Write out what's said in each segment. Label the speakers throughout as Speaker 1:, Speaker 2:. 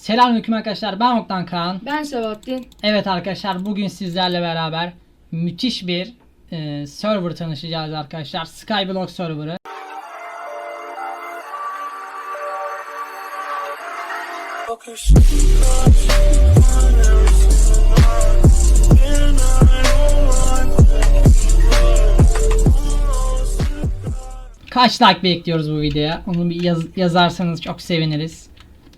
Speaker 1: Selamünaleyküm arkadaşlar, ben Oktan Kaan.
Speaker 2: Ben Sebahattin.
Speaker 1: Evet arkadaşlar, bugün sizlerle beraber müthiş bir server tanışacağız arkadaşlar. Skyblock serverı. Kaç like bekliyoruz bu videoya? Onu bir yazarsanız çok seviniriz.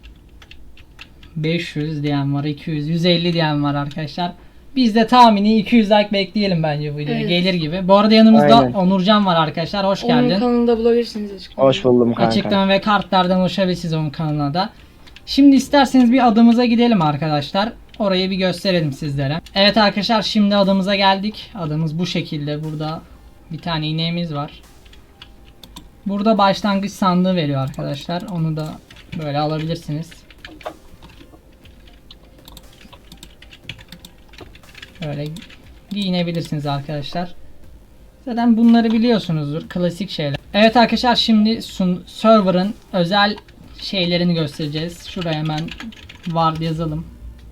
Speaker 1: 500 diyen var, 200, 150 diyen var arkadaşlar. Biz de tahmini 200 like bekleyelim bence bu videoya.
Speaker 2: Evet.
Speaker 1: Gelir gibi. Bu arada yanımızda
Speaker 2: Aynen.
Speaker 1: Onurcan var arkadaşlar. Hoş
Speaker 2: Onun
Speaker 1: geldin.
Speaker 2: kanalında bulabilirsiniz açıklamada.
Speaker 3: Hoş buldum kanka.
Speaker 1: Açıklama ve kartlardan ulaşabilirsiniz onun kanalına da. Şimdi isterseniz bir adımıza gidelim arkadaşlar. Orayı bir gösterelim sizlere. Evet arkadaşlar, şimdi adımıza geldik. Adımız bu şekilde. Burada bir tane ineğimiz var. Burada başlangıç sandığı veriyor arkadaşlar. Onu da böyle alabilirsiniz. Böyle giyinebilirsiniz arkadaşlar. Zaten bunları biliyorsunuzdur. Klasik şeyler. Evet arkadaşlar, şimdi server'ın özel şeylerini göstereceğiz. Şuraya hemen var yazalım.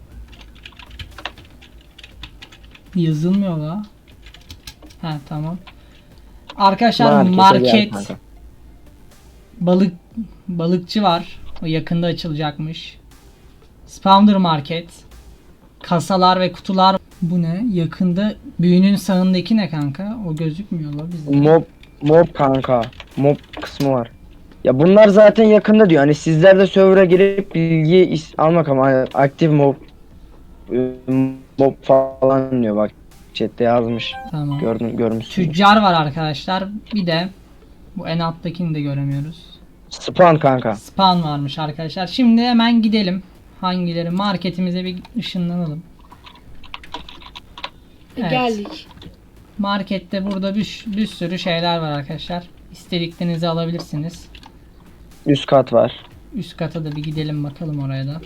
Speaker 1: Yazılmıyor la. Ha tamam. Arkadaşlar market balıkçı var. O yakında açılacakmış. Spawner market. Kasalar ve kutular. Bu ne? Yakında büyünün sağındaki ne kanka? O gözükmüyor la bizde.
Speaker 3: Mob kanka. Mob kısmı var. Ya bunlar zaten yakında diyor. Hani sizler de server'a girip bilgi almak ama aktif mob falan diyor, bak chatte yazmış.
Speaker 1: Tamam.
Speaker 3: Görmüşsün.
Speaker 1: Tüccar var arkadaşlar. Bir de bu en alttakini de göremiyoruz.
Speaker 3: Spawn kanka.
Speaker 1: Spawn varmış arkadaşlar. Şimdi hemen gidelim. Hangileri? Marketimize bir ışınlanalım. Evet.
Speaker 2: Geldik.
Speaker 1: Markette burada bir sürü şeyler var arkadaşlar. İstediklerinizi alabilirsiniz.
Speaker 3: Üst kat var.
Speaker 1: Üst kata da bir gidelim bakalım oraya da.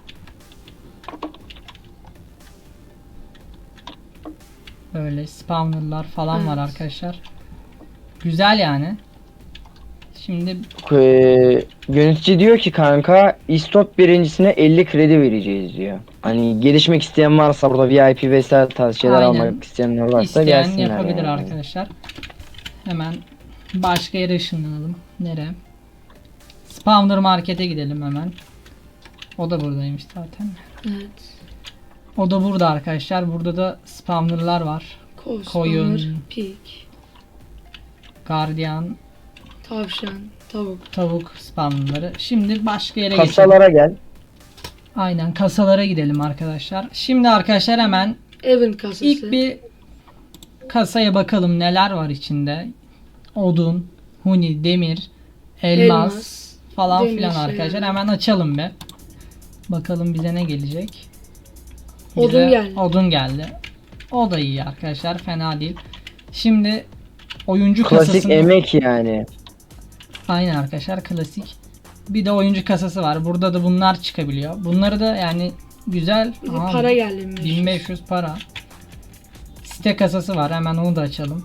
Speaker 1: Böyle spawnerlar falan var arkadaşlar. Güzel yani. Şimdi
Speaker 3: Yönetici diyor ki kanka istop birincisine 50 kredi vereceğiz diyor. Hani gelişmek isteyen varsa, burada VIP vesaire tarz şeyler
Speaker 1: Aynen.
Speaker 3: almak isteyenler varsa
Speaker 1: İsteyen
Speaker 3: gelsinler.
Speaker 1: yapabilir
Speaker 3: yani.
Speaker 1: arkadaşlar. Hemen başka yere ışınlanalım. Nereye? Spawner markete gidelim hemen. O da buradaymış zaten.
Speaker 2: Evet.
Speaker 1: O da burada arkadaşlar. Burada da spawnerlar var. Koyun.
Speaker 2: Pig,
Speaker 1: Guardian,
Speaker 2: tavşan, tavuk.
Speaker 1: tavuk spawnerları. Şimdi başka yere
Speaker 3: Kasalara
Speaker 1: geçelim.
Speaker 3: gel.
Speaker 1: Aynen, kasalara gidelim arkadaşlar. Şimdi arkadaşlar hemen
Speaker 2: Event kasası.
Speaker 1: ilk bir kasaya bakalım neler var içinde. Odun, huni, demir, elmas falan
Speaker 2: demir
Speaker 1: filan
Speaker 2: şeyler.
Speaker 1: arkadaşlar. Hemen açalım bir. Bakalım bize ne gelecek.
Speaker 2: Odun geldi.
Speaker 1: Odun geldi. O da iyi arkadaşlar, fena değil. Şimdi oyuncu
Speaker 3: Klasik
Speaker 1: kasasında...
Speaker 3: emek yani.
Speaker 1: Aynen arkadaşlar, klasik. Bir de oyuncu kasası var. Burada da bunlar çıkabiliyor. Bunları da yani güzel.
Speaker 2: Bir de
Speaker 1: Aa,
Speaker 2: para geldi.
Speaker 1: 1500 para. Site kasası var. Hemen onu da açalım.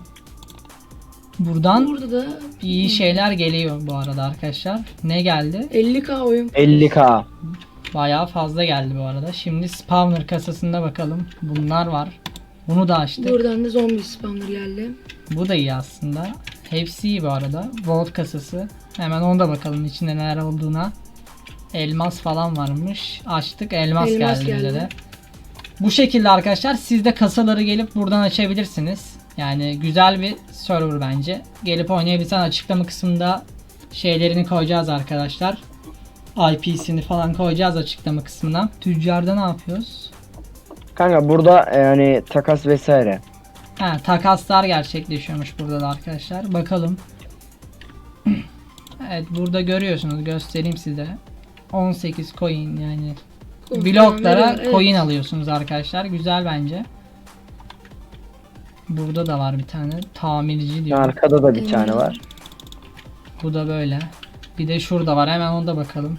Speaker 1: Buradan
Speaker 2: Burada da
Speaker 1: iyi şeyler geliyor bu arada arkadaşlar. Ne geldi?
Speaker 2: 50k oyun.
Speaker 3: 50k.
Speaker 1: Bayağı fazla geldi bu arada. Şimdi spawner kasasında bakalım. Bunlar var. Bunu da açtık.
Speaker 2: Buradan da zombi spawner geldi.
Speaker 1: Bu da iyi aslında. Hepsi iyi bu arada. Vault kasası. Hemen ona da bakalım içinde neler olduğuna. Elmas falan varmış. Açtık. Elmas geldi bize de. Bu şekilde arkadaşlar, siz de kasaları gelip buradan açabilirsiniz. Yani güzel bir server bence. Gelip oynayabilirsen açıklama kısmında şeylerini koyacağız arkadaşlar. IP'sini falan koyacağız açıklama kısmına. Tüccarda ne yapıyoruz?
Speaker 3: Kanka burada yani takas vesaire.
Speaker 1: Ha, takaslar gerçekleşiyormuş burada da arkadaşlar. Bakalım. Evet, burada görüyorsunuz. Göstereyim size. 18 coin yani. Bloklara
Speaker 2: Evet.
Speaker 1: coin alıyorsunuz arkadaşlar. Güzel bence. Burada da var bir tane. Tamirci diyor.
Speaker 3: Arkada da bir tane var.
Speaker 1: Bu da böyle. Bir de şurada var. Hemen ona da bakalım.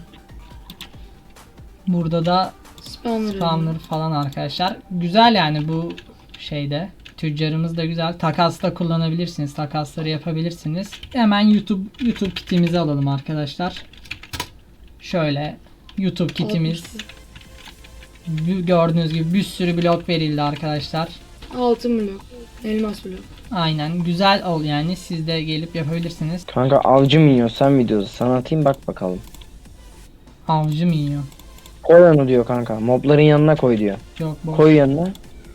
Speaker 1: Burada da spawner falan arkadaşlar. Güzel yani bu şeyde. Tüccarımız da güzel. Takasla kullanabilirsiniz. Takasları yapabilirsiniz. Hemen YouTube kitimizi alalım arkadaşlar. Şöyle YouTube kitimiz. Gördüğünüz gibi bir sürü blok verildi arkadaşlar.
Speaker 2: Altın blok. Elmas blok.
Speaker 1: Aynen güzel ol yani, siz de gelip yapabilirsiniz.
Speaker 3: Kanka avcı mı yiyor sen videosu? Sana atayım bak bakalım.
Speaker 1: Avcı mı yiyor?
Speaker 3: Koy onu diyor kanka. Mobların yanına koy diyor.
Speaker 1: Yok bu.
Speaker 3: Koy yanına.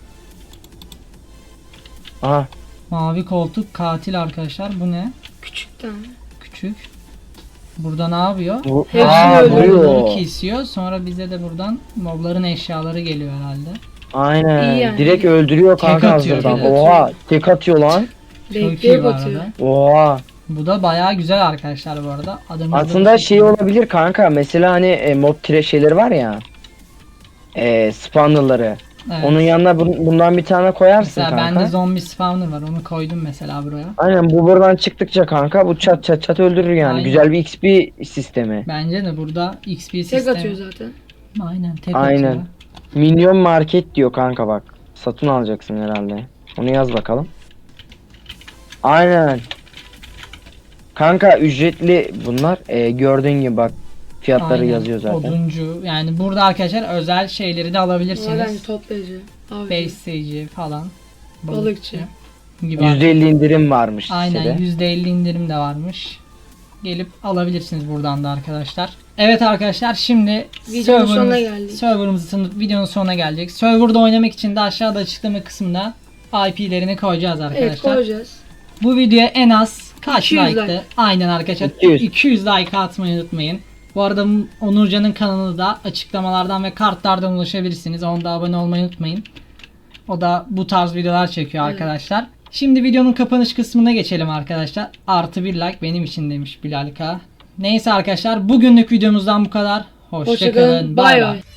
Speaker 3: Aha.
Speaker 1: Mavi koltuk katil arkadaşlar, bu ne?
Speaker 2: Küçük tane.
Speaker 1: Küçük. Burada ne yapıyor?
Speaker 2: Hepsini
Speaker 3: Aa,
Speaker 2: öldürüyor.
Speaker 1: Mobları
Speaker 3: vuruyor.
Speaker 1: kesiyor. Sonra bize de buradan mobların eşyaları geliyor herhalde.
Speaker 3: Aynen.
Speaker 2: İyi yani.
Speaker 3: Direkt öldürüyor kanka
Speaker 1: Tek atıyor,
Speaker 3: hazırdan.
Speaker 2: tek atıyor.
Speaker 3: Oha. Tek atıyor lan.
Speaker 1: Çok iyi
Speaker 2: Renkliye
Speaker 1: bu
Speaker 2: batıyor.
Speaker 1: arada.
Speaker 3: Oha.
Speaker 1: Bu da bayağı güzel arkadaşlar bu arada. Adımız
Speaker 3: Aslında şey olabilir kanka. Mesela hani mob tire şeyleri var ya. Spawnerları.
Speaker 1: Evet.
Speaker 3: Onun yanına bundan bir tane koyarsın
Speaker 1: Mesela
Speaker 3: kanka.
Speaker 1: bende zombi spawner var. Onu koydum mesela buraya.
Speaker 3: Aynen bu buradan çıktıkça kanka bu çat çat çat öldürür yani.
Speaker 1: Aynen.
Speaker 3: Güzel bir XP sistemi.
Speaker 1: Bence de burada XP
Speaker 2: Tek
Speaker 1: sistemi.
Speaker 2: atıyor zaten.
Speaker 1: Aynen tek
Speaker 3: Aynen.
Speaker 1: atıyor.
Speaker 3: Minyon market diyor kanka bak. Satın alacaksın herhalde. Onu yaz bakalım. Aynen. Kanka ücretli bunlar. Gördüğün gibi bak. Fiyatları
Speaker 1: Aynen.
Speaker 3: yazıyor zaten.
Speaker 1: Oduncu. Yani burada arkadaşlar özel şeyleri de
Speaker 2: Var
Speaker 1: alabilirsiniz.
Speaker 2: toplayıcı. Avcı.
Speaker 1: Besleyici falan.
Speaker 2: Balıkçı.
Speaker 1: Gibi.
Speaker 3: %50 indirim varmış
Speaker 1: Aynen
Speaker 3: sitede.
Speaker 1: %50 indirim de varmış. Gelip alabilirsiniz buradan da arkadaşlar. Evet arkadaşlar, şimdi
Speaker 2: Videonun sonuna geldik.
Speaker 1: serverımızın videonun sonuna gelecek. Serverda oynamak için de aşağıda açıklama kısmında IP'lerini koyacağız
Speaker 2: Evet
Speaker 1: arkadaşlar.
Speaker 2: koyacağız.
Speaker 1: Bu videoya en az kaç
Speaker 2: 200
Speaker 1: like'tı?
Speaker 2: like.
Speaker 1: Aynen arkadaşlar.
Speaker 3: 200.
Speaker 1: 200 like atmayı unutmayın. Bu arada Onurcan'ın kanalı da açıklamalardan ve kartlardan ulaşabilirsiniz. Onda da abone olmayı unutmayın. O da bu tarz videolar çekiyor
Speaker 2: Evet.
Speaker 1: arkadaşlar. Şimdi videonun kapanış kısmına geçelim arkadaşlar. Artı bir like benim için demiş Bilal K. Neyse arkadaşlar, bugünlük videomuzdan bu kadar. Hoşça
Speaker 2: Hoşçakalın.
Speaker 1: kalın.
Speaker 2: Bay
Speaker 1: Bay
Speaker 2: bay.
Speaker 1: bay.